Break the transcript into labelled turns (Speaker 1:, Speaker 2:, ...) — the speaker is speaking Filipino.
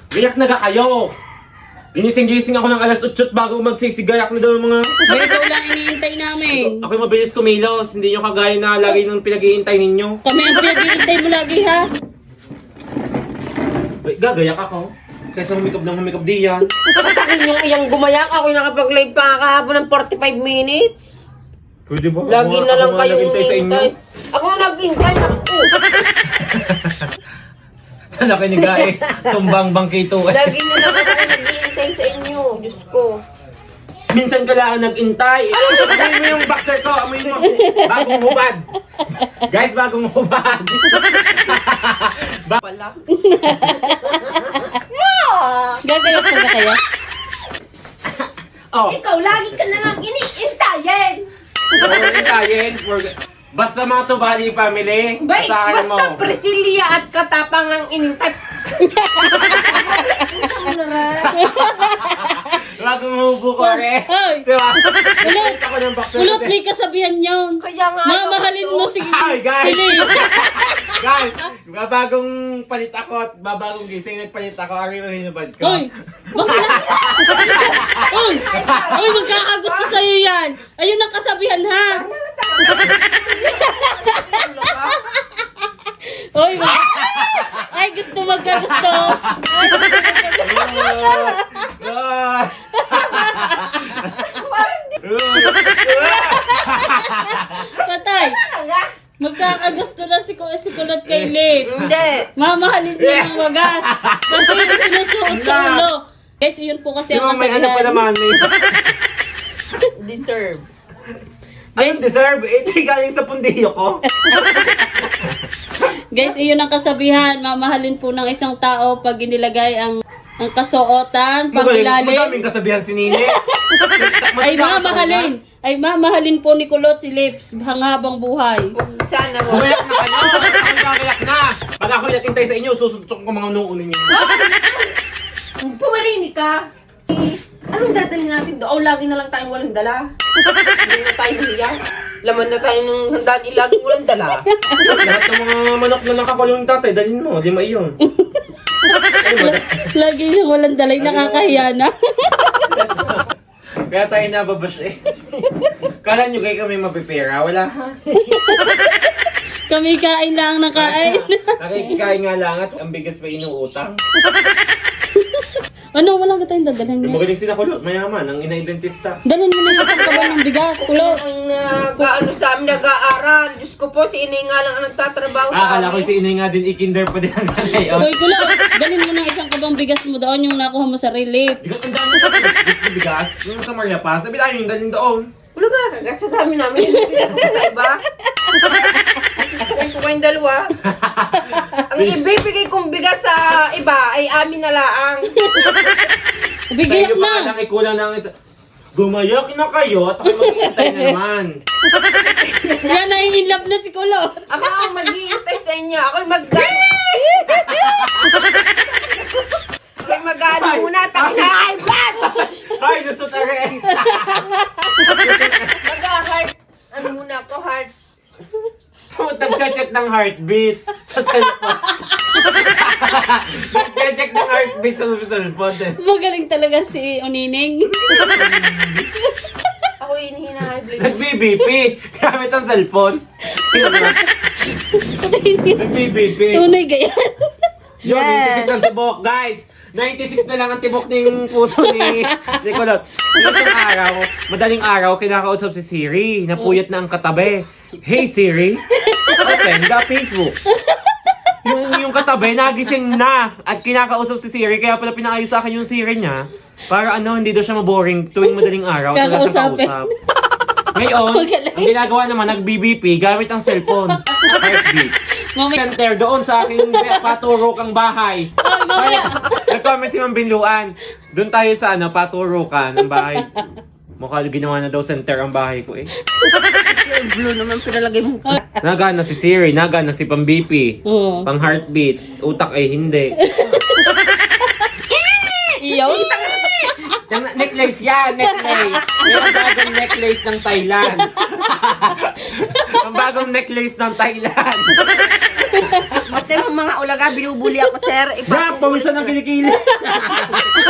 Speaker 1: Gayak na ga kayo! Ginising-gising ako ng alas 8 bago magsisigayak na daw yung mga...
Speaker 2: May ikaw lang iniintay namin.
Speaker 1: Ako'y mabilis kumilos, hindi nyo kagaya na lagi nung pinag-iintay ninyo.
Speaker 2: Kami ang pinag-iintay mo lagi ha.
Speaker 1: Wait, gagayak ako. Kaysa humikap ng humikap diyan.
Speaker 3: Patakin yung iyang gumayak. Ako'y nakapag-live pa kahapon ng 45 minutes.
Speaker 1: Pwede ba?
Speaker 3: Lagi na lang kayo
Speaker 1: naghintay sa inyo.
Speaker 3: Ako naghintay. Naku.
Speaker 1: Sana kayo ni Gae. Tumbang bangkito.
Speaker 3: Lagi na lang ako naghihintay sa inyo. Diyos ko.
Speaker 1: Minsan ka lang nag-intay. Amoy mo yung boxer ko. Amoy mo. Bagong hubad. Guys, bagong hubad.
Speaker 3: Pala.
Speaker 2: Gagayak pa ka kaya?
Speaker 1: Oh,
Speaker 3: Ikaw lagi ka na lang iniintayin.
Speaker 1: intayin. Basta mga Tubali family.
Speaker 3: Bay,
Speaker 1: Basahin mo.
Speaker 3: basta Priscilla at Katapang ang inintay.
Speaker 1: Bagong hubo ko rin.
Speaker 2: Hoy!
Speaker 1: Diba?
Speaker 2: Ulot!
Speaker 1: Nakita ko ng boxer
Speaker 2: Ulot,
Speaker 1: kasi.
Speaker 2: may kasabihan yun.
Speaker 3: Kaya nga.
Speaker 2: Mamahalin mo si
Speaker 1: Ay, guys!
Speaker 2: Philip.
Speaker 1: Guys, babagong palit ako at babagong gising nagpalit ako. Ari mo hinubad ko.
Speaker 2: Hoy! Bakla! Hoy! Hoy, magkakagusto sa'yo yan. Ayun ang kasabihan ha. Hoy, ay gusto magkagusto. Ay, gusto magkagusto. Patay. Magkakagusto na si Kulot kay Lips.
Speaker 3: Hindi.
Speaker 2: Mamahalin niya ng wagas. Kasi yung sinusuot sa ulo. Guys, yun po kasi
Speaker 1: Di ba
Speaker 2: ang
Speaker 1: may ano pa
Speaker 2: kasabihan.
Speaker 1: naman eh.
Speaker 3: Deserve.
Speaker 1: Anong deserve? Ito yung galing sa pundiyo ko.
Speaker 2: Guys, iyon ang kasabihan. Mamahalin po ng isang tao pag inilagay ang kasuotan, pangilalim.
Speaker 1: Madaming kasabihan si Nini.
Speaker 2: Ay mamahalin. Ay mamahalin po ni Kulot si Lips hanghabang buhay.
Speaker 3: Sana mo.
Speaker 1: Bumayak na kayo! Ang gagayak na! Pag ako nagintay sa inyo, susuntok ko mga noo ninyo.
Speaker 3: Pumarinig ka. Anong dadalhin natin doon? Lagi na lang tayong walang dala. Hindi na tayo hiya. Laman na tayo ng handaan laging walang dala.
Speaker 1: Lahat ng mga manok na nakakulong yung tatay, dalhin mo, di maiyon. Ano ba?
Speaker 2: Lagi niyang walang dalay, nakakahiya na.
Speaker 1: Kaya tayo nababash eh. Kala nyo kayo kami mapipera? Wala ha?
Speaker 2: Kami kain lang ng kain.
Speaker 1: Nakikikain nga lang at ang bigas pa inuutang.
Speaker 2: Ano, walang tayong dadalhin niya.
Speaker 1: Magaling sila Kulot, mayaman, ang ina-identista.
Speaker 2: Dalhin mo na yung isang kaban ng bigas, Kulot.
Speaker 3: Ang nag-ano sa amin, nag-aaral. Diyos ko po, si Inay nga lang ang nagtatrabaho sa
Speaker 1: Akala ko
Speaker 3: amin.
Speaker 1: si Inay nga din ikinder pa din ang ngayon.
Speaker 2: Hoy, Kulot, dalhin mo ng isang kabang bigas mo doon yung nakuha mo sa relief.
Speaker 1: Bigat ang dami ko sa bigas. Yung sa Maria pa, sabi tayo yung dalhin doon.
Speaker 3: Wala ka, kagat sa dami namin. Hindi ko sa iba. Kung ko kayong dalawa. Ang ibibigay kong bigas sa iba ay amin na laang.
Speaker 1: Sa
Speaker 2: Bigayak
Speaker 1: inyo pa
Speaker 2: na.
Speaker 1: lang ikulang ng isa. Gumayak na kayo at ako maghihintay na naman.
Speaker 2: Yan, nai-inlove na si Kulot.
Speaker 3: Ako ang mag-iintay sa inyo. Ako'y mag-gano. Ako'y mag-gano muna. Takin na ay blood!
Speaker 1: Ay, nasutare!
Speaker 3: Mag-heart. Ano muna ako, heart?
Speaker 1: Nag-check ng heartbeat sa cellphone. Nag-check ng heartbeat sa cellphone.
Speaker 2: Magaling talaga si Unining.
Speaker 3: Ako'y hinihina high blood.
Speaker 1: Nag-BBP gamit ang cellphone. Nag-BBP.
Speaker 2: Tunay gayan.
Speaker 1: Yun,
Speaker 2: Yes.
Speaker 1: 96 ang tibok, guys. 96 na lang ang tibok ng puso ni Kulot. Isang araw, madaling araw, kinakausap si Siri. Napuyat na ang katabi. Hey Siri, open the Facebook. Yung katabi, nagising na. At kinakausap si Siri, kaya pala pinaayos sa akin yung Siri niya. Para ano, hindi daw siya maboring tuwing madaling araw. At wala siyang
Speaker 2: Kakausapin.
Speaker 1: kausap. Ngayon, ang ginagawa naman, nag-BBP gamit ang cellphone. Heartbeat.
Speaker 2: Mamaya.
Speaker 1: Center doon sa aking paturo kang bahay.
Speaker 2: Ay, mamaya.
Speaker 1: Nag-comment si Ma'am Binluan. Doon tayo sa ano, paturo ka ng bahay. Mukha ginawa na daw center ang bahay ko eh.
Speaker 3: Yung blue naman pinalagay mo.
Speaker 1: Nagana si Siri, nagana si pang BP,
Speaker 2: Oo.
Speaker 1: pang heartbeat, utak ay hindi.
Speaker 2: Iyaw.
Speaker 1: Yung necklace yan, necklace. Yan ang bagong necklace ng Thailand. Ang bagong necklace ng Thailand.
Speaker 3: Ate, mga ulaga, binubuli ako, sir.
Speaker 1: Brap, pawisan ng kilikili.